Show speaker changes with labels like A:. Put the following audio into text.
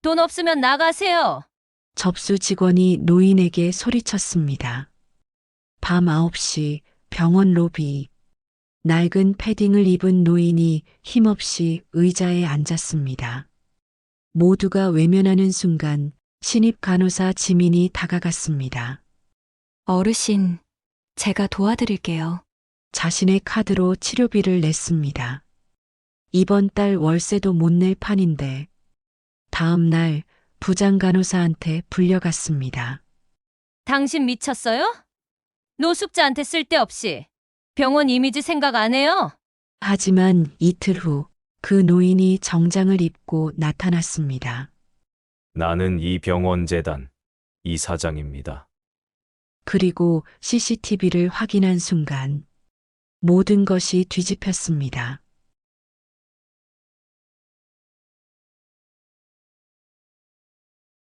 A: 돈 없으면 나가세요.
B: 접수 직원이 노인에게 소리쳤습니다. 밤 9시 병원 로비. 낡은 패딩을 입은 노인이 힘없이 의자에 앉았습니다. 모두가 외면하는 순간 신입 간호사 지민이 다가갔습니다.
C: 어르신, 제가 도와드릴게요.
B: 자신의 카드로 치료비를 냈습니다. 이번 달 월세도 못 낼 판인데 다음 날 부장 간호사한테 불려갔습니다.
A: 당신 미쳤어요? 노숙자한테 쓸데없이 병원 이미지 생각 안 해요?
B: 하지만 이틀 후 그 노인이 정장을 입고 나타났습니다.
D: 나는 이 병원 재단 이사장입니다.
B: 그리고 CCTV를 확인한 순간 모든 것이 뒤집혔습니다.